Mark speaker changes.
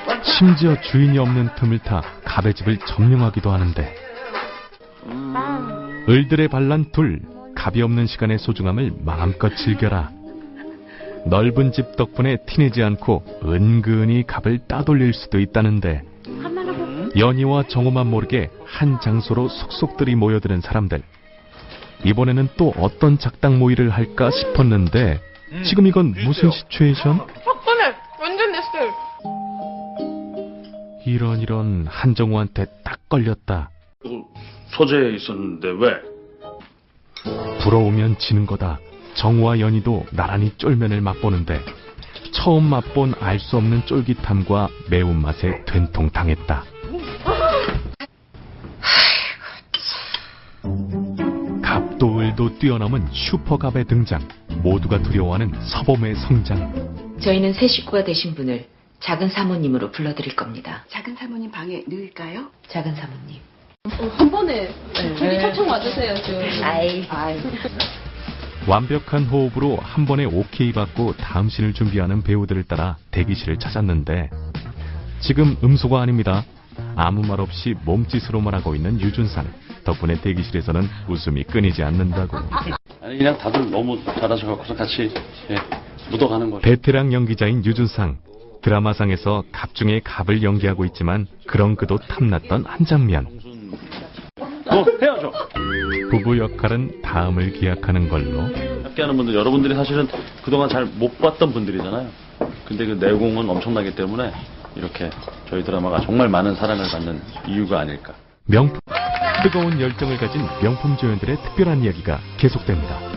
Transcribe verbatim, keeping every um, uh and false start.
Speaker 1: 심지어 주인이 없는 틈을 타 갑의 집을 점령하기도 하는데 을들의 반란 둘, 갑이 없는 시간의 소중함을 마음껏 즐겨라. 넓은 집 덕분에 티내지 않고 은근히 갑을 따돌릴 수도 있다는데 연희와 정호만 모르게 한 장소로 속속들이 모여드는 사람들. 이번에는 또 어떤 작당 모의를 할까 싶었는데 지금 이건 무슨 시츄에이션?
Speaker 2: 화끈해! 완전 내 스타일!
Speaker 1: 이런 이런 한정우한테 딱 걸렸다.
Speaker 3: 소재에 있었는데 왜?
Speaker 1: 부러우면 지는 거다. 정우와 연희도 나란히 쫄면을 맛보는데 처음 맛본 알 수 없는 쫄깃함과 매운맛에 된통당했다. 갑도 을도 뛰어넘은 슈퍼갑의 등장. 모두가 두려워하는 서범의 성장.
Speaker 4: 저희는 새 식구가 되신 분을 작은 사모님으로 불러드릴 겁니다.
Speaker 5: 작은 사모님 방에 넣을까요?
Speaker 4: 작은 사모님.
Speaker 2: 한 번에 저기 찰창 맞으세요, 지금.
Speaker 4: 아이.
Speaker 5: 아이.
Speaker 1: 완벽한 호흡으로 한 번에 오케이 받고 다음 씬을 준비하는 배우들을 따라 대기실을 찾았는데 지금 음소가 아닙니다. 아무 말 없이 몸짓으로만 하고 있는 유준상. 덕분에 대기실에서는 웃음이 끊이지 않는다고.
Speaker 3: 아니 그냥 다들 너무 잘하셔서 같이 예, 묻어가는 거죠.
Speaker 1: 베테랑 연기자인 유준상. 드라마상에서 갑 중에 갑을 연기하고 있지만 그런 그도 탐났던 한 장면.
Speaker 3: 어, 해야죠.
Speaker 1: 부부 역할은 다음을 기약하는 걸로.
Speaker 3: 함께하는 분들, 여러분들이 사실은 그동안 잘 못 봤던 분들이잖아요. 근데 그 내공은 엄청나기 때문에 이렇게 저희 드라마가 정말 많은 사랑을 받는 이유가 아닐까.
Speaker 1: 명품, 뜨거운 열정을 가진 명품 조연들의 특별한 이야기가 계속됩니다.